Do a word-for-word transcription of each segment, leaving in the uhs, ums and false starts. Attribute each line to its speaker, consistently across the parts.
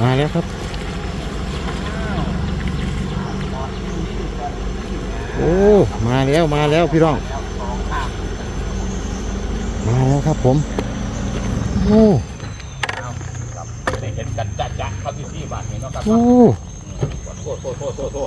Speaker 1: มาแล้วครับโอ้มาแล้วมาแล้วพี่น้องมาแล้วครับผมโอ้
Speaker 2: ได้เห็นกันจัดจัดครับที่ที่บ้านนี้เนาะครับ
Speaker 1: โอ้
Speaker 2: โทษโทษโทษโทษโทษ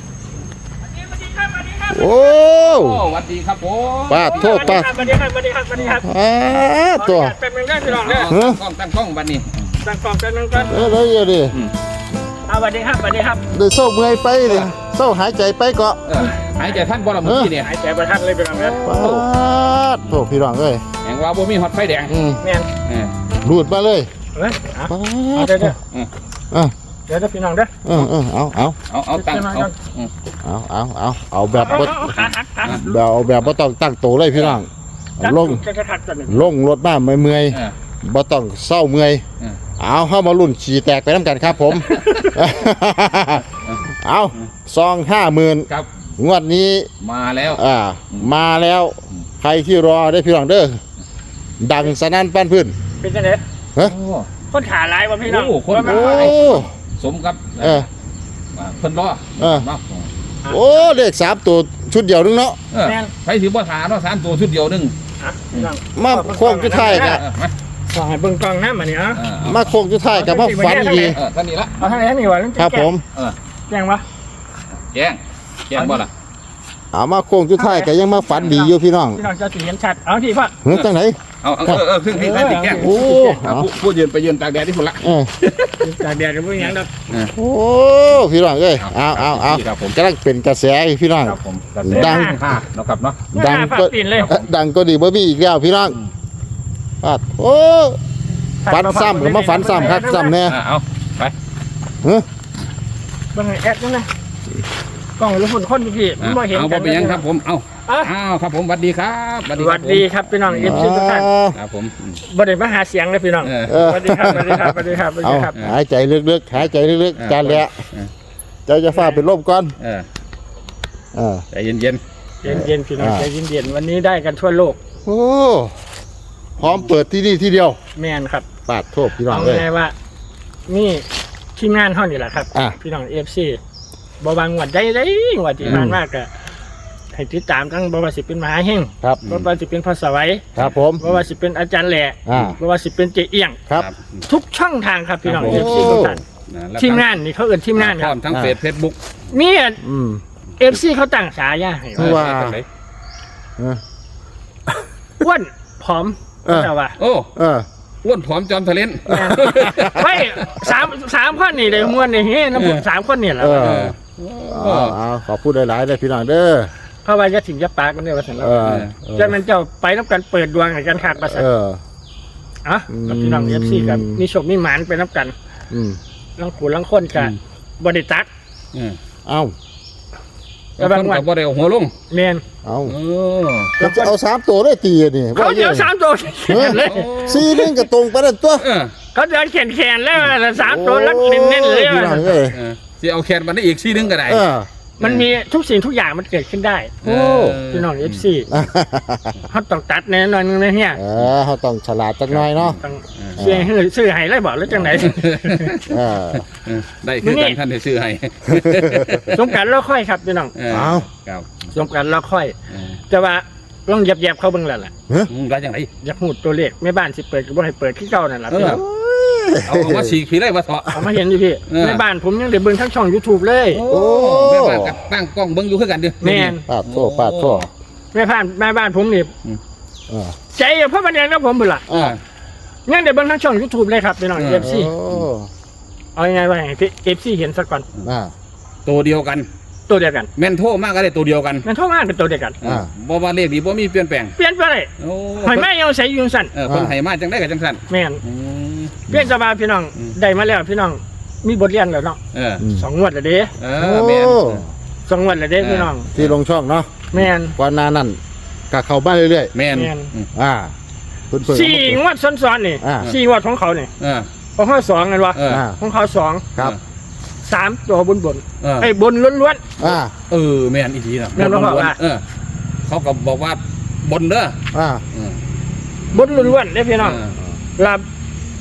Speaker 1: โอ้
Speaker 2: สวัสดีครับผม
Speaker 1: ป้าโทษป้า
Speaker 3: สวัสดีครับสวัสดีครับสวัสดีครับ
Speaker 1: อ่าตัว
Speaker 3: เป็นเมืองได้พี่น้องเนี่ย
Speaker 2: ตั้งกล้องตั้งกล้องบ้านนี้
Speaker 3: ตั้งกองเป็นเมืองกัน
Speaker 1: เออแล้วอย่าดิ
Speaker 3: สวัสดีครับสวัสดีครับ
Speaker 1: เดี๋ยวเศร้าเมื่อยไปเลยเศร้าหายใจไปเกาะ
Speaker 2: เออหายใจท่านบ่ละเมื่อกี้เนี่ย
Speaker 3: หายใจประทัดเลยพี่น้องเนี่ย
Speaker 1: ป้าโทษพี่น้องเอ้ย
Speaker 2: แหงว่าบ่มีฮอตไฟแดง
Speaker 1: อืม
Speaker 3: แม่น
Speaker 2: เออ
Speaker 1: รูดมาเลย
Speaker 3: เฮ้ย
Speaker 1: ป้า
Speaker 3: เอาเดี๋ยวเดี๋ยว
Speaker 1: อ่ะ
Speaker 3: เดี๋ยวพี่น้องเด้อ
Speaker 1: เออเออเอาเอา
Speaker 2: เอาเอาตั้งเอา
Speaker 1: เอาเอาเอาเอาแบบ
Speaker 3: เอา
Speaker 1: บ่
Speaker 3: เอาขาหักขาหัก
Speaker 1: แบบเอาแบบบ่ต้องตั้งโตเลยพี่น้องลง
Speaker 3: จะกระทักกันหนึ่ง
Speaker 1: ลงรถมาเมื่อย
Speaker 2: เออ
Speaker 1: ๆบ่ต้องเศร้าเมื่อย
Speaker 2: เออ
Speaker 1: เอาเข้ามาลุ่นฉี่แตกไปน้ำกันครับผม เอาซองห้าหมื่น
Speaker 2: ครับ
Speaker 1: งวดนี้
Speaker 2: มาแล้ว
Speaker 1: อ่ามาแล้วใครที่รอได้พี่น้องเด้อดังสนั่นปั้นพื้น
Speaker 3: เป็นยังไง
Speaker 1: ฮะ
Speaker 2: โอ้
Speaker 3: คนขาลายวะพี่น้อง
Speaker 2: โอ้คน
Speaker 1: โอ้
Speaker 2: สมกับ
Speaker 1: เออ
Speaker 2: เพิ่นรอ
Speaker 1: เออ
Speaker 2: เนาะ
Speaker 1: โอ้เลขสามตัวชุดเดียวนึงเนาะ
Speaker 2: เออไปถือบ่ถาเนาะสามตัวชุดเดียวนึง
Speaker 3: อ่ะพี่น้อง
Speaker 1: มาโค้งจุดท้าย
Speaker 2: เอ
Speaker 1: กั
Speaker 2: อบ เออมา
Speaker 3: ขอให้เบิ่งกล้องน้ำมาเนี่ยอ่ะ
Speaker 2: เออ
Speaker 1: มาโค้งจุดท้ายกับมาฝันดี
Speaker 2: เออท่านนี้ละ
Speaker 3: เอาทางไหนทางนี้วะ
Speaker 1: ครับผม
Speaker 2: เออ
Speaker 3: แจ้งวะ
Speaker 2: แจ้งแจ้งบ่ล่ะ
Speaker 1: เอามาโค้งจุดท้ายก็ยังมาฝันดีอยู่พี่น้อง
Speaker 3: พี่น้องจะสีเห็นชัดเอาที่พ่อ
Speaker 1: เฮ้ยจังไหน
Speaker 2: เอาเออเออครึ่งที่ท่านติแจ้ง
Speaker 1: โอ้
Speaker 2: เอาผู้ผู้ยืนไปยืนตากแดดที่พุ่นละ
Speaker 1: เออ
Speaker 3: จากแดดกับพวกยังดอก
Speaker 1: โอ้พี่น้องเอ้ยเอาเอาเอา
Speaker 2: ครับผม
Speaker 1: กำลังเป็นกระแสอยู่พี่น้อง
Speaker 2: ครับผม
Speaker 1: ดัง
Speaker 2: ค่ะเนาะครับเนาะ
Speaker 1: ดัง
Speaker 3: ฝา
Speaker 1: ก็
Speaker 3: กตีนเลย
Speaker 1: เอ่อดังก็ดีบ่มีอีกแล้วพี่น้องปาดโอ้ฝันซ้ำก็มาฝันซ้ำครับซ้ำแน่
Speaker 2: อ่าเอาไป
Speaker 1: เฮ้ย
Speaker 3: เบิ่งไอ้แอดนั่นนะกล้องรู้คนคนพี่ๆมันบ่เห็น
Speaker 2: เอา
Speaker 3: กั
Speaker 2: บ่
Speaker 3: น
Speaker 2: เป็นหยังครับผมเอา
Speaker 3: อ่ะ
Speaker 2: อ้าวครับผมสวัสดีครับสวัส
Speaker 3: ส
Speaker 2: ดีค
Speaker 3: วั
Speaker 2: รับ
Speaker 3: สดีครับพี่น้องเอฟซีทุกท่าน
Speaker 2: ครับผม
Speaker 3: บ่ได้มาหาเสียงเลยพี่น้อง
Speaker 2: เออ
Speaker 1: เออ
Speaker 3: สวัสดีครับสวัสดีครับสวัสดีครับสวัส
Speaker 1: เอา
Speaker 3: ดีครับ
Speaker 1: หายใจลึกๆหายใจลึก
Speaker 2: เออ
Speaker 1: ๆจานแหละ
Speaker 2: เออ
Speaker 1: เจ้าจะฟ้าเป็นลมก่อน
Speaker 2: เออ
Speaker 1: เออ
Speaker 2: ใจเย็นเย็น
Speaker 3: เย็นเย็นๆพี่น้อง
Speaker 1: อ่า
Speaker 3: ใจเย็นเย็นๆวันนี้ได้กันทั่วโลก
Speaker 1: โอ้พร้อมเปิดที่นี่ที่เดียว
Speaker 3: แม่นครับ
Speaker 1: ปาดโทษพี่น้อง
Speaker 3: เอา
Speaker 1: เลย
Speaker 3: ไงว่านี่ทีมงานเฮานี่แหละครับ
Speaker 1: อ่ะ
Speaker 3: พี่น้องเอฟซีบ่บางงวดได้ได้งวดที่ผ่านมากก็ให้ติดตามทั้งบ่ว่าสิเป็นมหาเฮง
Speaker 1: ครับ
Speaker 3: บ่ว่าสิเป็นพอสวัย
Speaker 1: ครับผม
Speaker 3: บ่ว่าสิเป็นอาจารย์แหล่
Speaker 1: อ่า
Speaker 3: บ่ว่าสิเป็นเจเอียง
Speaker 1: ครับ
Speaker 3: ทุกช่องทางครับพี่น้อง
Speaker 1: ครับ
Speaker 3: เอ
Speaker 1: ผม
Speaker 3: ฟซีทุกท่าน
Speaker 2: นะแล้ว
Speaker 3: ทีมงานนี่เขาเอิ้นทีมงาน
Speaker 2: พ
Speaker 3: ค
Speaker 2: ร้อ
Speaker 3: รับ
Speaker 2: มทั้งเฟซเฟซบุ๊ก
Speaker 3: มี
Speaker 1: อืม
Speaker 3: เอฟซีเขาตั้งฉายาให้
Speaker 1: คือว่า เออ
Speaker 3: อ้วนผอม
Speaker 1: เออ
Speaker 3: แต่ว่า
Speaker 2: โอ้
Speaker 1: เออ
Speaker 2: อ้วนผอมจอมทะเลน
Speaker 3: ไม่สามสามคนนี่เลยมวนนี่เฮ้น้ำผมสามคนนี่แหละ
Speaker 1: เออ
Speaker 2: เออ
Speaker 1: เอาเอาขอพูดหลายๆเลยพี่น้องเด้อ
Speaker 3: เพราะว่าจะถึงจะปากกันเนี่ยว่าสัน
Speaker 1: เออ
Speaker 3: จะมันเจ้าไปน้ำกันเปิดดวงให้กันขาดประสาท
Speaker 1: เออ
Speaker 3: อ่ะกับพี่น้องเอฟซีกับมีโชคมีหมานไปน้ำกัน
Speaker 1: อืม
Speaker 3: ลังขูลังคนกันบริตัก
Speaker 2: เออ
Speaker 1: เอา
Speaker 2: แล้วคนกับบ่ได้เอาหัวลง
Speaker 3: เมน
Speaker 1: เอา
Speaker 2: เออ
Speaker 1: ก็จะเอาสามตัวได้ตีอะนี่
Speaker 3: เขาเดียวสามตัวแขนเลย
Speaker 1: สี่นึงก็ตรงไปแล้วตัว
Speaker 2: เออ
Speaker 3: เขาเดินแขนแขนแล้วสามตัวแล้วเน้นๆเลย
Speaker 1: พี่น้องเอ้ย
Speaker 2: เออสิเอาแคนมันได้อีกซี่นึงก็ได้
Speaker 1: เออ
Speaker 3: มันมีทุกสิ่งทุกอย่างมันเกิดขึ้นได้
Speaker 1: โอ้
Speaker 3: พี่น้องเอฟซีเขาต้องตัดแน่นอนนึงนะเนี่ย
Speaker 1: เออเขาต้องฉลาดจักหน่อยเนาะ
Speaker 3: ต้องเสียให้ซื้อให้ไรบอกแล้วจังไหน
Speaker 1: เออ
Speaker 2: เออได้คือกันท่านได้ซื้อให้
Speaker 3: สงการเราค่อยครับพี่น้อง
Speaker 2: เออ
Speaker 1: เอา
Speaker 2: ครับ
Speaker 3: สงการเราค่อย
Speaker 2: เออ
Speaker 3: แต่ว่าลองเหยียบๆเขาเบิ่งแล้วล่ะ
Speaker 2: อืมได้จังได
Speaker 3: อยากหูตัวเลขแม่บ้านสิเปิดก็บ่ให้เปิดที่เก่านั่นล่ะ
Speaker 2: เอ
Speaker 3: พี่
Speaker 2: อ
Speaker 3: น้อง
Speaker 2: เอาเอามาฉีกผีได้มาเถาะ
Speaker 3: เอามาเห็นอยู่พี่
Speaker 2: เออ
Speaker 3: แม่บ้านผมยังได้เบิ่งทั้งช่อง YouTube เลย
Speaker 2: โอ้แม่บ้านกับตั้งกล้องเบิ่งอยู่คือกันเด้อ
Speaker 3: แม่น
Speaker 1: ปาดโทษปาดโทษ
Speaker 3: แม่บ้านแม่บ้านผมนี่
Speaker 1: เออ
Speaker 3: ใจเพราะมันเองกับผมเบิ่งล่ะ
Speaker 2: เออ
Speaker 3: ยังได้เบิ่งทั้งช่อง YouTube เลยครับพี่น้อง
Speaker 2: เออ
Speaker 3: เอฟซี
Speaker 1: โอ้
Speaker 3: เอายังไงว่าให้พี่ เอฟ ซี เห็นซะก่อน
Speaker 1: อ่า
Speaker 2: ตัวเดียวกัน
Speaker 3: ตัวเดียวกัน
Speaker 2: แม่นโทรมากก็ได้ตัวเดียวกัน
Speaker 3: มันโทรมาเป็นตัวเดียวกัน
Speaker 1: อ่า
Speaker 2: บ่ว่าเลขนี้บ่มีเปลี่ยนแปลง
Speaker 3: เปลี่ยนไปเลย
Speaker 2: โอ้
Speaker 3: หอยแม่ยังใส่อยู่จังซั่น
Speaker 2: เออคนให้มาจังได้กับจังซั่น
Speaker 3: แม่น
Speaker 2: อืม
Speaker 3: เปลี่ยนสบายพี่น้อง
Speaker 2: อืม
Speaker 3: ได้มาแล้วพี่น้องมีบทเรียนแล้วเนาะ
Speaker 2: เออ
Speaker 1: อืม
Speaker 3: สองงวดแล้วเด้
Speaker 2: เออแม่น
Speaker 1: โอ้
Speaker 3: สองงวดแล้วเด้พี่น้อง
Speaker 1: ที่ลงช่องเนาะ
Speaker 3: แม่น
Speaker 1: กว่าหนานั่นก็เข้าบ้านเรื่อย
Speaker 2: แม่น
Speaker 3: แม่น
Speaker 2: อืม
Speaker 1: ๆอ่าเพิ่นเพิ่น
Speaker 3: สี่งวดซ้อนๆนี่
Speaker 1: อ่า
Speaker 3: สี่งวดของเขานี่
Speaker 2: เออ
Speaker 3: ของเขาสองกันวะ
Speaker 2: เออ
Speaker 1: อ่า
Speaker 3: ของเขาสอง
Speaker 1: ครับ
Speaker 3: สามตัวบนบน
Speaker 2: เออ
Speaker 3: ไอ้บนล้วน
Speaker 1: อ่า
Speaker 2: เออแม่นอีทีน่ะ
Speaker 3: แม่นบ่บอกว่า
Speaker 2: เออเขาก็บอกว่าบนเด้อ
Speaker 1: อ่า
Speaker 2: เออ
Speaker 3: ๆบนล้วนๆเด้พี่น้อง
Speaker 2: เออ
Speaker 3: ลาค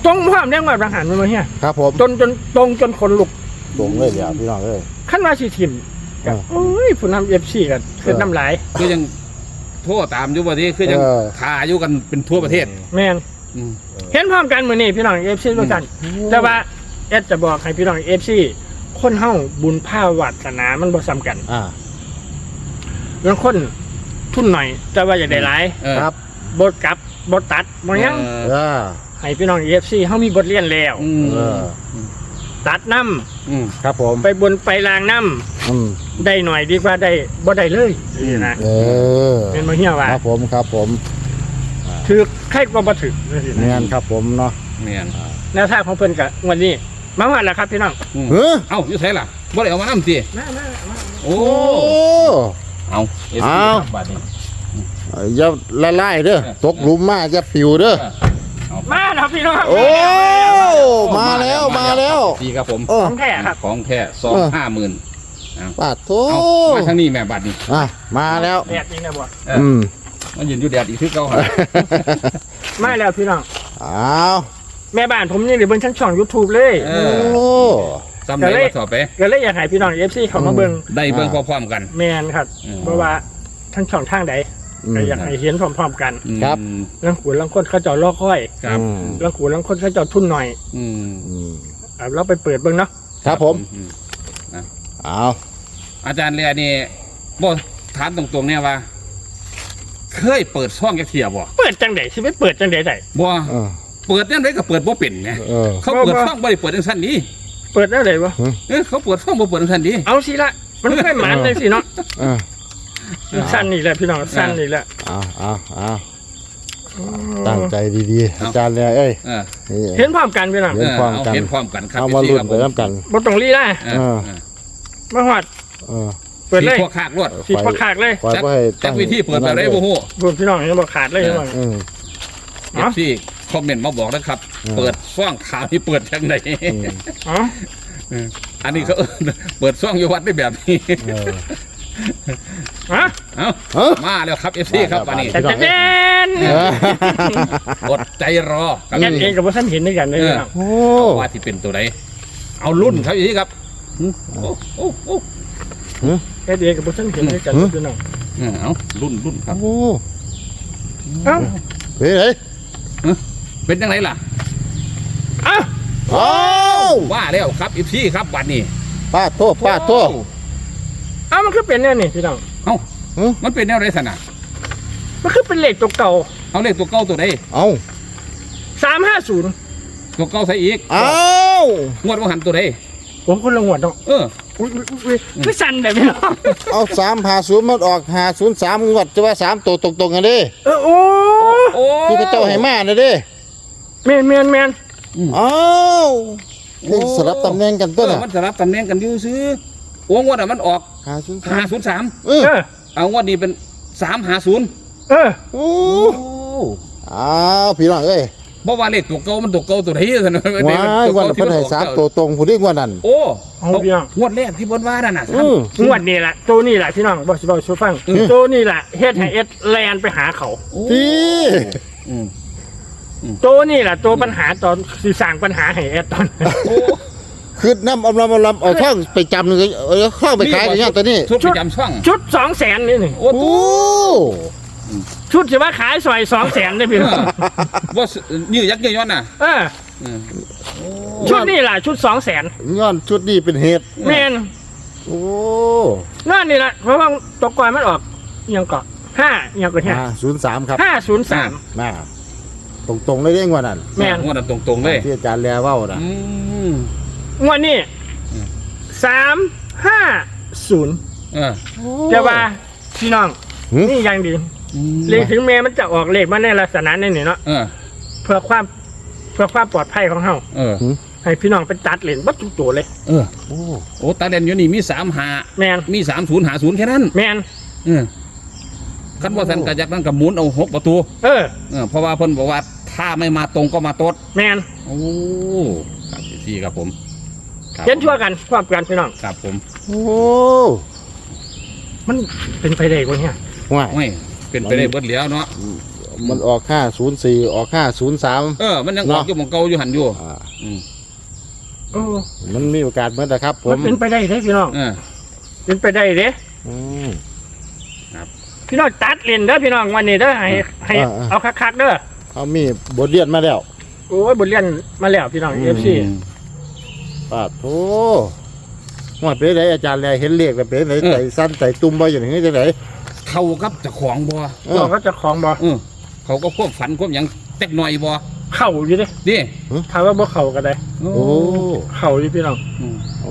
Speaker 3: ตรงพร้อมเรื่องว่าทหารมันมาเฮีย
Speaker 1: ครับผม
Speaker 3: จนจนตรงจนคนลุก
Speaker 1: ตรงเลยเดี๋ยวพี่น้องเอ้ย
Speaker 3: ขั้นว่าสิทิมก็
Speaker 1: อ่า
Speaker 3: โอ้ยผู้นำ เอฟ ซีก็ขึ้นน้ำลาย
Speaker 2: คือยังโทษตามอยู่ว่าที่คือยัง
Speaker 1: เออ
Speaker 2: ทาอยู่กันเป็นทั่วประเทศ
Speaker 3: แม่น
Speaker 2: อืม
Speaker 3: เห็นพร้อมกันมื้อนี้พี่น้อง เอฟ ซีด้วยกัน แต่ว่าเอสจะบอกให้พี่น้อง เอฟ ซี คนเฮาบุญภาวาสนามันบ่ซ้ำกัน
Speaker 1: อ่า
Speaker 3: บางคนทุนหน่อย แต่ว่าอยากได้หลาย
Speaker 2: เออ
Speaker 1: ครับ
Speaker 3: บ่กลับบ่ตัดบ่หยัง
Speaker 2: เออ
Speaker 1: เออ
Speaker 3: ให้พี่น้อง เอฟ ซี เฮามีบทเรียนแล้ว
Speaker 2: อืม
Speaker 1: เออ
Speaker 3: ตัดน้ำ
Speaker 2: อืม
Speaker 1: ครับผม
Speaker 3: ไปบนไปลางน้
Speaker 1: อืม
Speaker 3: ำได้หน่อยดีกว่าได้บ่ได้เลยนี่นะ
Speaker 1: เออ
Speaker 3: เป็นบ่เฮียว่า
Speaker 1: ครับผมครับผม
Speaker 3: ถือใครก็บ่ถือนี่
Speaker 1: เนีย
Speaker 3: นะ
Speaker 1: นครับผมเนาะ
Speaker 2: เมียน
Speaker 3: แนวทางของเพิ่นก็วันนี้มาว่าแล้วครับพี่น้อง
Speaker 2: อืม
Speaker 1: เฮ้ย
Speaker 2: เอ้าอยู่ไสล่ะบ่ได้เอามานำติ
Speaker 3: มามามา
Speaker 2: โอ้
Speaker 1: โอ้
Speaker 2: เอา
Speaker 1: เอา
Speaker 2: บาดนี้
Speaker 1: อย่าละลายเด้อตกหลุมมาจะปิวเด้อ
Speaker 2: เอา
Speaker 3: มาแล้วพี่น้อง
Speaker 1: โอ้มาแล้วมาแล้ว
Speaker 2: ดีครับผม
Speaker 1: โอ้
Speaker 3: ของแท้ครับ
Speaker 2: ของแท้สองห้าหมื่น
Speaker 1: ปาดโถ
Speaker 2: เอามาทางนี้แม่บาดนี้
Speaker 1: อ่ะมาแล้ว
Speaker 3: แดดจริงนะบ่
Speaker 2: เออ
Speaker 1: อืม
Speaker 2: มันยืนอยู่แดดอีกคือเก่าหั่น
Speaker 3: มาแล้วพี่น้อง
Speaker 1: อ้าว
Speaker 3: แม่บ้านผมนี่เบิ่งทั้งช่อง YouTube เลย
Speaker 2: เอ
Speaker 1: โอ้
Speaker 2: อจำได้ว่าสอบไป
Speaker 3: ก็เลยอยากให้พี่น้อง เอฟ ซี เข้ามาเบิ่ง
Speaker 2: ได้เบิ่งพร้อมๆกัน
Speaker 3: แม่นครับ
Speaker 2: อืม
Speaker 3: เพราะว่าทั้งช่องทางใด
Speaker 1: อืม
Speaker 3: ก็อยากให้เห็นพร้อมๆกัน
Speaker 1: ครับ
Speaker 2: อืม
Speaker 3: ลังขูลังคนเขาเจ้ารอคอย
Speaker 2: ครับ
Speaker 1: อืม
Speaker 3: ลังขูลังคนเขาเจ้าทุนหน่อย
Speaker 2: อืม
Speaker 1: อืม
Speaker 3: เอาเราไปเปิดเบิ่งเนาะ
Speaker 1: ครับผม
Speaker 2: อืม
Speaker 1: เอา
Speaker 2: อาจารย์เรียนี่บ่ถามตรงๆเนี่ยว่า เคยเปิดช่องแกเทียบ่
Speaker 3: เปิดจังได๋สิไปเปิดจังได๋ได้
Speaker 2: บ่
Speaker 1: เออ
Speaker 2: เปิดยังไงก็เปิดบ่เป็นไง
Speaker 1: เออ
Speaker 2: เขาเปิดช่องบ่ได้เปิดจังซั่นนี้
Speaker 3: เปิดได้เลยวะ
Speaker 2: เอ้ยเขาเปิดช่องบ่เปิดจังซั่นนี้
Speaker 3: เอาสิละมันไม่หมันเลยสิเนาะ
Speaker 1: เออ
Speaker 3: สั้นนี่แหละพี่น้องสั้นนี่แหละ
Speaker 1: เอาเอาเอาตั้งใจดีๆอาจารย์เนี่ยเอ้ย
Speaker 2: เออ
Speaker 1: นี่
Speaker 3: เห็นพร้อมกันพี่น้อง
Speaker 1: เห็นพร้อมกัน
Speaker 2: เห็นพร้อมกันครับ
Speaker 1: เอามา
Speaker 2: พี่
Speaker 1: ลุ้น
Speaker 2: ครับ
Speaker 1: ไปน้ำกัน
Speaker 3: บ่ต้องรีได้
Speaker 2: เออ
Speaker 1: เออ
Speaker 3: มาหอด
Speaker 1: เออ
Speaker 3: เปิดเลย
Speaker 2: สีพวกคากรวด
Speaker 3: สิพักขาดเลย
Speaker 1: ปล่อย
Speaker 2: จัก
Speaker 1: ไว้ให้
Speaker 2: จั
Speaker 1: ตั้
Speaker 2: ก
Speaker 1: ง
Speaker 2: วิธีเปิดแบบไรบ่ฮู้
Speaker 3: บุญพี่น้องยังบอกขาดเลยพี่น้อง
Speaker 1: อืม
Speaker 2: เอฟซีคอมเมนต์มาบอกนะครับ
Speaker 1: อืม
Speaker 2: เปิดช่องข่าวที่เปิดจังได
Speaker 1: อืม
Speaker 3: อ๋อ
Speaker 2: อันนี้เขาเอิ้นเปิดช่องอยู่วัดได้แบบนี้
Speaker 1: เออ
Speaker 3: ฮะ
Speaker 2: เอ้า
Speaker 1: เอ้า
Speaker 2: มาแล้วครับ เอฟซี
Speaker 1: มาแล้ว
Speaker 2: ครับวันนี้
Speaker 1: มา
Speaker 3: แต่
Speaker 1: แล้ว
Speaker 3: แต่เด่น
Speaker 1: เออ
Speaker 2: อดใจรอครับ
Speaker 3: ยันเองกับว่าท่านเห็นด้วยกันเลยพี่น้อง
Speaker 1: โอ้
Speaker 2: ว่าที่เป็นตัวไหนเอารุ่นครับอีกครับโอ้โอ้โอ้
Speaker 3: แค่เองกับว่าท่านเห็นด้วยกันเลยพี่น้อง
Speaker 2: เออเอารุ่นรุ่นครับ
Speaker 1: โอ้
Speaker 3: เอ้า
Speaker 1: เฮ้ยเฮ้ย
Speaker 2: เป็นยังไงล่ะ
Speaker 3: เอ้า
Speaker 1: โอ้
Speaker 2: ว่าแล้วครับเอฟซีครับวันนี้
Speaker 1: ป้าดโทษป้าดโทษ
Speaker 3: เอ้ามันคือเป็นแน่นี่พี่น้อง
Speaker 2: เอ้า
Speaker 1: หึ
Speaker 2: มันเป็นแนวไรสนะ
Speaker 3: มันคือเป็นเลขตัวเก่า
Speaker 2: เอาเลขตัวเก้าตัวใด
Speaker 1: เอา
Speaker 3: สามห้าศูนย์
Speaker 2: ตัวเก้าใส่อีก
Speaker 1: เอา
Speaker 2: งวดว่าหันตัวใด
Speaker 3: ผมคนละงวดเนาะ
Speaker 2: เออ
Speaker 3: อุ้ยอุ้ยอุ้ยไม่สั่นแบบพี่น้อง
Speaker 1: เอาสามหาศูนย์มันออกหาศูนย์สามงวดจะว่าสามตัวตรงๆกันเด้
Speaker 3: เออโอ้
Speaker 2: โอ้
Speaker 1: ที่พระเจ้าให้มาน่ะเด้
Speaker 3: แมนแมนแมน
Speaker 1: อ้าวนี่สลับตำแหน่งกัน
Speaker 2: เอ
Speaker 1: ตัว
Speaker 2: อ
Speaker 1: น่ะ
Speaker 2: มันสลับตำแหน่งกันอยู่ซื้อโอ้งวดอ่ะมันออก
Speaker 1: หาศูนย์สา
Speaker 2: ห้าม ศูนย์สาม
Speaker 1: เออ
Speaker 3: เออ
Speaker 2: เอางวดนี้เป็นสามหาศูนย์
Speaker 3: เออ
Speaker 1: โอ้
Speaker 2: โอ้
Speaker 1: อ้าวพี่น้องเอ้ย
Speaker 2: เพราะว่าเลขตัวเก้ามันตัวเก้าตัวใดสนะ
Speaker 1: ว้ายวันเพิ่นให้สามตัวตรงผู้ที่งวดนั้น
Speaker 2: โอ้
Speaker 3: เอาพี่น้อง
Speaker 2: งวดแรกที่เพิ่นว่านั่นน่ะ
Speaker 1: อืม
Speaker 3: งวดนี่แหละตัวนี่แหละพี่น้องบอกสิบอกชูฟัง
Speaker 2: อืม
Speaker 3: ตัวนี่แหละเฮ็ดให้เอ็ดแลนไปหาเขา
Speaker 2: โอ้
Speaker 1: ที่
Speaker 2: อืม
Speaker 3: ตัวนี่แหละตัวปัญหาตอนสิสร้างปัญหาให้เอ็ดตอน
Speaker 2: โอ้
Speaker 1: คือน้ำอมลำอมลำเอาท่องไปจำหนึ่งเออเข้าไปขายกันอย่างตัวนี้
Speaker 2: ชุดประจำช่อง
Speaker 3: ชุดสองแสนนี่นี่
Speaker 2: โอ้
Speaker 1: โอ้
Speaker 3: ชุดสิว่าขายซอยสองแสนได้พี่น้อง
Speaker 2: ว่ายืดยักษ์ยืดย้อนน่ะ
Speaker 3: เออ
Speaker 2: อืม
Speaker 3: ชุดนี่แหละชุดสองแสน
Speaker 1: ย้อนชุดนี้เป็นเหตุ
Speaker 3: แมน
Speaker 1: โอ้
Speaker 3: นั่นนี่แหละเพราะว่าตัวก่อนมันออกอิหยังเกาะห้าอิหยังเกาะห้า
Speaker 1: ศูนย์สามครับ
Speaker 3: ห้าศูนย์สาม
Speaker 1: มาตรงๆเลยเด้งว่านั้น
Speaker 3: แม่น
Speaker 2: งวดนั้นตรงๆเลย
Speaker 1: ที่อาจารย์แลเว่านะ
Speaker 2: อืม
Speaker 3: งวดนี้
Speaker 2: อืม
Speaker 3: สามห้าศูนย์
Speaker 2: เออ
Speaker 3: แต่ว่าพี่น้อง
Speaker 1: หึ
Speaker 3: นี่ยังดี
Speaker 2: อืม
Speaker 3: เลขถึงแม้มันจะออกเลขมาในลักษณะนี้นี่เนาะ
Speaker 2: เออ
Speaker 3: เพื่อความเพื่อความปลอดภัยของเฮา
Speaker 2: เออ
Speaker 3: ให้พี่น้องไปตัดเหรียญวัตถุตัวเลย
Speaker 2: เออ
Speaker 1: โอ้
Speaker 2: โอ้ตาเด่นอยู่นี่มีสามหา
Speaker 3: แมน
Speaker 2: มีสามศูนย์หาศูนย์แค่นั้น
Speaker 3: แมน
Speaker 2: เออคันว่าสันกระยักนั่นกับหมุนเอาหกประตู
Speaker 3: เออ
Speaker 2: เออเพราะว่าเพิ่นบอกว่าถ้าไม่มาตรงก็มาตด
Speaker 3: แมน
Speaker 2: โอ้ครับพี่ครับผมครับ
Speaker 3: เขียนชั่วกันความกันพี่น้อง
Speaker 2: ครับผม
Speaker 1: โอ้
Speaker 3: มันเป็นไปได้กว่าเนี่ย
Speaker 1: ห่วย
Speaker 2: ไม่เป็นไปได้เบิดแล้วเนาะ
Speaker 1: เมันออกห้าศูนย์สี่ออกห้าศูนย์สาม
Speaker 2: เออ มันยังออกอยู่หมองเก่าอยู่หันอยู่
Speaker 1: อ่า
Speaker 2: อืม
Speaker 3: โอ้
Speaker 1: มันมีโอกาสเหมือนกันครับ ผ
Speaker 3: มั
Speaker 1: ม
Speaker 3: นเป็นไปได้เด้พี่น้อง
Speaker 2: เออ
Speaker 3: เป็นไปได้เด้
Speaker 1: อืม
Speaker 3: พี่น้องตัดเล่นเด้อพี่น้องวันนี้เด้อให้ให้
Speaker 1: อ่าอ่า
Speaker 3: เอาคักๆเด้อ
Speaker 1: เขามีบทเรียนมาแล้ว
Speaker 3: โอ้ยบทเรียนมาแล้วพี่น้อง เอฟ ซี
Speaker 1: ปาดโอ้ว่าเป็นไรอาจารย์แลเห็นเลขแล้วเป็นไร
Speaker 2: เออ
Speaker 1: ใส่สั้นใส่ตุ้มบ่อย่างนี้จังได
Speaker 2: เขากับเจ้าของบ่
Speaker 1: เออ
Speaker 3: เราก็จะของบ่
Speaker 2: เออเขาก็ควบฝันควบหยังเต็กหน่อยบ่
Speaker 3: เข้าอยู่เด้
Speaker 2: ดิ
Speaker 3: ถามว่าบ่เข้าก็ได้
Speaker 1: โอ้
Speaker 3: เข้าอยู่พี่น้อง
Speaker 2: อืม
Speaker 1: โอ้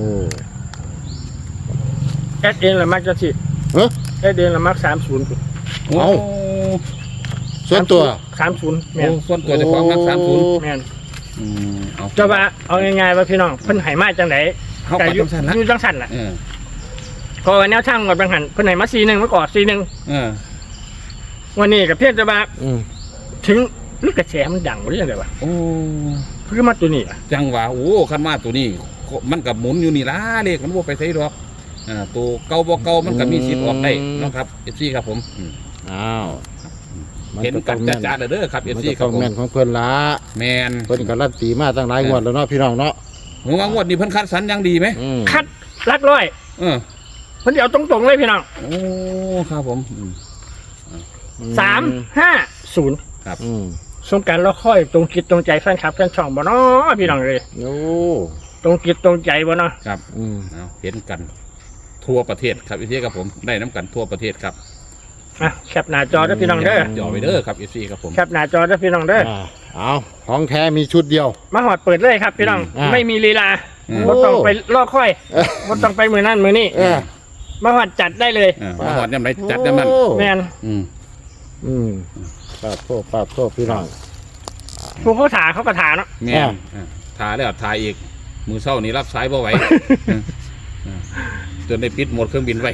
Speaker 3: แอดเองละมักจะสิ
Speaker 1: เอ้อ
Speaker 3: แอดเองละมักสามศูนย์
Speaker 2: โอ้
Speaker 1: เอา ส่วนตัว
Speaker 3: สามศูนย์แม่น
Speaker 2: โอ้ส่วนตัวเจ้าของนักสามศูนย์
Speaker 3: แม่น
Speaker 2: อืมเอา
Speaker 3: จะว่าเอาง่ายๆว่าพี่น้องเพิ่นให้มาจังได๋
Speaker 2: เข้าไปจังซั่นละ
Speaker 3: อยู่จังซั่นล่ะ
Speaker 2: เออ
Speaker 3: ก็แนวทางกับจังหันเพิ่นให้มาสี่หนึ่งเมื่อก่อนสี่หนึ่ง
Speaker 2: เออ
Speaker 3: วันนี้ก็เพียงแต่ว่า
Speaker 1: อืม
Speaker 3: ถึงลูกกระแสมันดังบ่ได้จังได๋วะ
Speaker 2: โอ้
Speaker 3: คือมาตัวนี้อะ
Speaker 2: จังหวะโอ้คันมาตัวนี้มันกับหมุนอยู่นี่ล่ะเลขมันบ่ไปไสดอกอ่าตัวเก่าบ่เก่ามันก็มีสิทธิ์ออกได้เนาะครับ เอฟ ซี ครับผมอืม
Speaker 1: อ้าว
Speaker 2: เห็นกันจ้าๆเด้อครับ เอ
Speaker 1: มั
Speaker 2: ฟ
Speaker 1: น
Speaker 2: ซี
Speaker 1: ก็
Speaker 2: ครั
Speaker 1: ต้
Speaker 2: บ
Speaker 1: อง
Speaker 2: ผม
Speaker 1: แม่นของเพิ่นละ
Speaker 2: แมน
Speaker 1: เพิ่นก็รันตีมาตั้งหลายงวดแล้วเนาะพี่น้องเนาะ
Speaker 2: ผมว่างวดนี้เพิ่นคัดสรรอยังดีไหม
Speaker 1: อืม
Speaker 3: คัดลักร้อย
Speaker 2: เออ
Speaker 3: เพิ่นสิเอาตรงๆเลยพี่น้อง
Speaker 2: โอ้ครับผมอืม
Speaker 3: สามห้าศูนย์
Speaker 1: อืม
Speaker 3: สงกรารเราค่อยตรงจิตตรงใจแฟนคลับแฟนช่องบ่เนาะพี่น้องเลย
Speaker 1: โอ้
Speaker 3: ตรงจิตตรงใจบ่เนาะ
Speaker 2: ครับ
Speaker 1: อืม
Speaker 2: เอาเห็นกันทั่วประเทศครับ เอฟ ซี ครับผมได้น้ำกันทั่วประเทศครับ
Speaker 3: อ่ะแคปหน้าจอเด้อพี่น้องเด้อ
Speaker 2: จ่อไปเด้อครับ เอฟ ซี ครับผม
Speaker 3: แคปหน้าจอเด้อพี่น้องเด้อ
Speaker 1: อ่าเอาของแท้มีชุดเดียว
Speaker 3: มาหอดเปิดเลยครับพี่น้อง
Speaker 1: อ่า
Speaker 3: ไม่มีลีลา
Speaker 2: อืม
Speaker 3: บ่ต้องไปลอกค่อยบ่ต้องไปมือนั่นมือนี่
Speaker 1: เออ
Speaker 3: มาหอดจัดได้เลย
Speaker 2: เออมาหอดยำไรจัดยำนั้น
Speaker 1: โอ้
Speaker 3: แม่น
Speaker 2: อืม
Speaker 1: อืมปาดโทษปาดโทษพี่น้อง
Speaker 3: ผู้เขาถาเขาก็ถาเนาะ
Speaker 2: แม่น
Speaker 1: อ่า
Speaker 2: อ่าทาแล้วทาอีก มือเศร้านี่รับสายบ่ไหวเออเออจนได้ปิดโหมดเครื่องบินไว้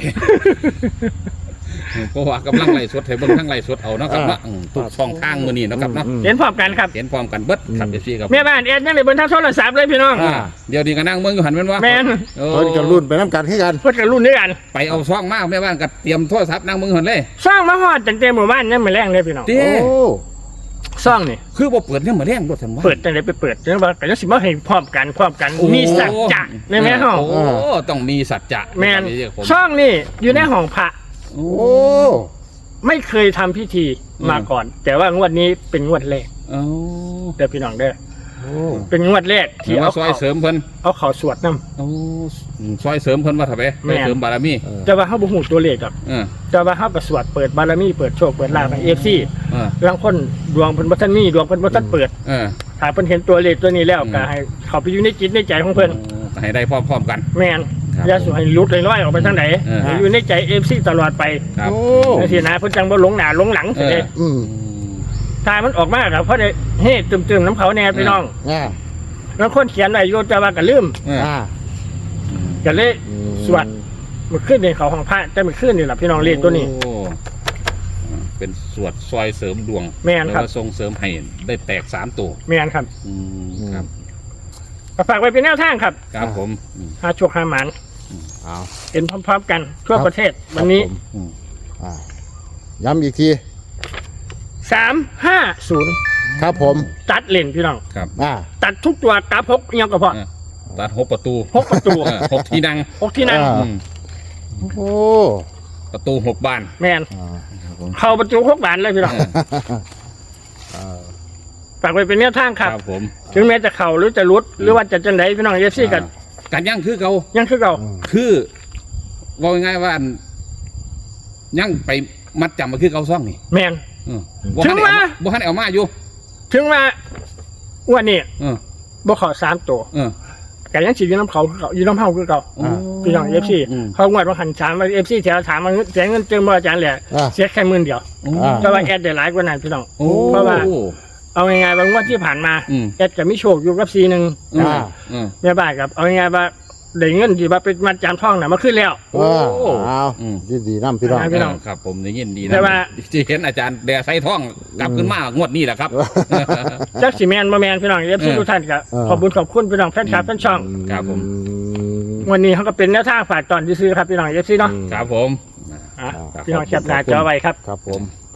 Speaker 2: เพราะว่ากำลังไล่สดให้เบิ่งทั้งไล่สดเอาเนาะครับเนาะอืมทุกช่องทางมื้อนี้เนาะครับเนาะ
Speaker 1: อืม
Speaker 3: เห็นพร้อมกันครับ
Speaker 2: เห็นพร้อมกันเบิดครับ เอฟ ซี ครับ
Speaker 3: แม่บ้านแอดยังได้เบิ่งทางโทรศัพท์เลยพี่น้อง
Speaker 2: อ่าเดี๋ยวนี้ก็นั่งเมืองอยู่หันแม่นว่า
Speaker 3: แม่น
Speaker 1: เพิ่นก็รุ่นไปน้ำกันให้กัน
Speaker 3: เพิ่นก็รุ่นด้วยกัน
Speaker 2: ไปเอาซ่องมาแม่บ้านก็เตรียมโทรศัพท์นั่งเมืองหันเลย
Speaker 3: ซ่องมาหอดจังเต็มหมู่บ้านยังไม่แรงเลยพี่น้อง
Speaker 2: เด้
Speaker 1: โอ้
Speaker 3: ซ่องนี่
Speaker 2: คือบ่เปิดยังมาแรงรถทันว่า
Speaker 3: เปิดจังไดไปเปิดจังว่าก็จะสิมาให้พร้อมกันพร้อมกัน
Speaker 2: โอ้
Speaker 3: มีสัจจะในแม่ห้อง
Speaker 2: โอ้ต้องมีสัจจะ
Speaker 3: แม่น
Speaker 2: เรียกผม
Speaker 3: ช่องนี่อยู่ในห้องพระ
Speaker 2: โอ้
Speaker 1: โอ้
Speaker 3: ไม่เคยทำพิธี
Speaker 2: อืม
Speaker 3: มาก่อน แต่ว่างวดนี้เป็นงวดแรก
Speaker 2: โอ้
Speaker 3: เด้อพี่น้องเด้อ
Speaker 1: โอ้
Speaker 3: เป็นงวดแรก
Speaker 2: ที่
Speaker 3: ที่
Speaker 2: เอา
Speaker 3: เอา
Speaker 2: ซอย
Speaker 3: เขา
Speaker 2: เสริมเพิ่น
Speaker 3: เอาเขาสวดนํ
Speaker 2: โอ้ซอยเสริมเพิ่นว่าถ้าไป
Speaker 3: แม่
Speaker 2: ไป
Speaker 3: น
Speaker 2: เสริมบารมี
Speaker 3: แต่ว่าเฮาบ่ฮู้ตัวเลขดอก
Speaker 2: เออ
Speaker 3: แต่ว่าเฮาก็สวดเปิดบารมีเปิดโชคเปิดลาภให้ เอฟ ซี
Speaker 2: เออ
Speaker 3: ลางคนดวงเพิ่นบ่ทันมีดวงเพิ่นบ่ทันเปิด
Speaker 2: เออ
Speaker 3: ถ้าเพิ่นเห็นตัวเลขตัวนี้แล้ว
Speaker 2: อืม
Speaker 3: ก็ให้เข้าไปอยู่ในจิตในใจของเพิ่น
Speaker 2: โอ้ให้ได้พร้อมๆกัน
Speaker 3: แม่น
Speaker 2: ครับ
Speaker 3: อย่าสิให้หลุดลอยๆออกไปทางไหน
Speaker 2: เออ
Speaker 3: ให้อยู่ในใจ เอฟ ซี ตลอดไป
Speaker 2: ครับ
Speaker 1: โอ้
Speaker 3: จังซี่นะเพิ่นจังบ่หลงหน้าหลงหลัง
Speaker 2: เอ
Speaker 3: สิ
Speaker 2: อ
Speaker 3: เด้
Speaker 1: อืม
Speaker 3: ถ้ามันออกมาก็เพราะได้เฮ้ตึมๆน้ำเขาแน่พี่น้อง
Speaker 1: อ่า
Speaker 3: แล้วคนเขียนไว้โยแต่ว่าก็ลืม
Speaker 2: เออ
Speaker 1: อ่า
Speaker 3: ก็เลย
Speaker 1: อืม
Speaker 3: สวด มันขึ้นในเขาของพระแต่มันขึ้นนี่แหละพี่น้องเลขตัวนี้
Speaker 2: โอ้เป็นสวดซอยเสริมดวง
Speaker 3: แม่นครับ
Speaker 2: แล้วก็ส่งเสริมให้ได้แตกสามตัว
Speaker 3: แม่นครับ
Speaker 2: อืมครับ
Speaker 3: ก็ฝากไว้เป็นแนวทางครับ
Speaker 2: ครับผมอืม
Speaker 3: หาโชคหาหมาน
Speaker 1: เอา
Speaker 3: เห็นพร้อมๆกันทั่วประเทศวันนี้
Speaker 1: ครับผม
Speaker 2: อืม
Speaker 1: อ่าย้ำอีกที
Speaker 3: สามห้าศูนย์
Speaker 1: ครับผม
Speaker 3: ตัดเลนพี่น้อง
Speaker 2: ครับ
Speaker 1: อ่า
Speaker 3: ตัดทุกตัวกราฟหกเอียงก็พอ
Speaker 2: เออตัดหกประตู
Speaker 3: หกประตู
Speaker 2: เออหกที่นั่ง
Speaker 3: หกที่นั่ง
Speaker 1: อ่า
Speaker 2: อืม
Speaker 1: โอ้
Speaker 2: ประตูหกบาน
Speaker 3: แม่น
Speaker 1: อ่า
Speaker 3: เข้าประตูหกบานเลยพี่น้อง
Speaker 1: อ่า
Speaker 3: ฝากไว้เป็นแนวทางครับ
Speaker 2: ครับผม
Speaker 3: ถึงแม้จะเข่าหรือจะรุดหรือว่าจะจังไดพี่น้องเอฟซีกัน
Speaker 2: การย่างคือเขา
Speaker 3: ยังคือเก่า
Speaker 1: อืม
Speaker 2: คือว่าง่ายๆว่าอันย่างไปมัดจำมาคือเขาซ่องนี่
Speaker 3: แม่น
Speaker 2: เออบ่
Speaker 3: ถึ
Speaker 2: ทัน
Speaker 3: ง
Speaker 2: ได้
Speaker 3: ว่า
Speaker 2: เอามาบ่ทันได้เอามาอยู่
Speaker 3: ถึงว่าอ้วันนี้
Speaker 2: เออ
Speaker 3: บ่เขอสามตัว
Speaker 2: เออ
Speaker 3: แต่ยังสิอยู่น้ำเขาคือเก่าอยู่น้ำเฮาคือเก่า
Speaker 2: โอ้
Speaker 3: พี่น้องเอฟซี
Speaker 2: อืม
Speaker 3: เขางวดว่าหันถามว่าเอฟซีแถวถามว่าเสียเงินเติมบ่อาจารย์แหละ
Speaker 1: อ่า
Speaker 3: เสียแค่หมื่นเดียว
Speaker 2: โอ้
Speaker 1: อ่า
Speaker 3: แต่ว่าแอดได้หลายกว่านั้นพี่น้อง
Speaker 2: โอ้
Speaker 3: เพราะว่า เอาง่ายๆว่างวดที่ผ่านมา
Speaker 2: อืม
Speaker 3: แอดก็มีโชคอยู่กับซีหนึ่ง
Speaker 2: อืม
Speaker 1: อ่า
Speaker 2: อืม
Speaker 3: แม่บ้านกับเอาง่ายๆว่าได้เงินที่ว่าเป็นมัดจำท่องน่ะมาขึ้นแล้ว
Speaker 1: อ่าเอา
Speaker 2: อืม
Speaker 1: ดีดีๆน้ำพี่น้อง
Speaker 3: อ่า พี่น้อง
Speaker 2: ครับผมได้ยินดีนะ
Speaker 3: แต่ว่า
Speaker 2: ที่เห็นอาจารย์แดไซท่องกลับขึ้นมางวดนี้แหละครับ
Speaker 3: จักสิแมนบ่แมนพี่น้องเอฟซี
Speaker 2: เออ
Speaker 3: ทุกท่านก็
Speaker 1: เออ
Speaker 3: ขอบคุณขอบคุณพี่น้องแฟนคลับแฟนช่อง
Speaker 2: ครับผม
Speaker 3: วันนี้เขาก็เป็นแนวทางฝากตอนที่ซื้อครับพี่น้องเอฟซีเนาะ
Speaker 2: ครับผม
Speaker 3: อ่ะ
Speaker 1: ครับ
Speaker 3: พี่น้องแคปหน้าจอไว้ครับ
Speaker 1: ครับผม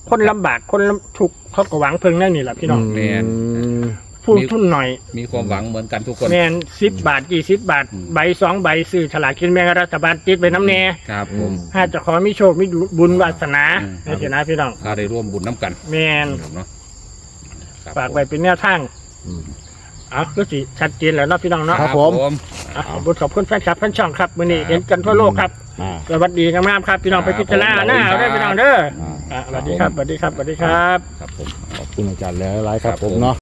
Speaker 3: คนลำบากคนลำทุกข์เขาก็หวังเพิ่งนั่นนี่แหละพี่น้อง
Speaker 2: แม่น
Speaker 3: ผู้ทุนหน่อย
Speaker 2: มีความหวังเหมือนกันทุกคน
Speaker 3: แมนสิบบาทยี่สิบบาท
Speaker 2: อืม
Speaker 3: ใบสองใบซื้อฉลากกินแบ่งรัฐบาลติดไปน้ำแน่
Speaker 2: ครับผม
Speaker 3: ถ้าจะขอมีโชคมีบุญวาสนา
Speaker 2: อืม
Speaker 3: ในฐานะพี่น้อง
Speaker 2: ถ้าได้ร่วมบุญน้ำกัน
Speaker 3: แมน
Speaker 2: เนาะครับ
Speaker 3: ฝากไว้เป็นแนวทาง
Speaker 1: อืม
Speaker 3: อ่ะก็สิชัดเจนแล้วเนาะพี่น้องเนาะ
Speaker 1: ครับผม
Speaker 3: อ่ะขอบคุณขอบคุณแฟนคลับแฟนช่องครับวันนี้เห็นกันทั่วโลกครับ
Speaker 1: อ่า
Speaker 3: สวัสดีงามๆครับพี่น้องไปพิจารณาหน้าเอาได้พี่น้องเด้อ
Speaker 1: อ่า
Speaker 3: อ่ะสวัสดีครับสวัสดีครับสวัสดีครับ
Speaker 2: ครับผม
Speaker 1: ขอบคุณอาจารย์หลายๆครับผมเนาะ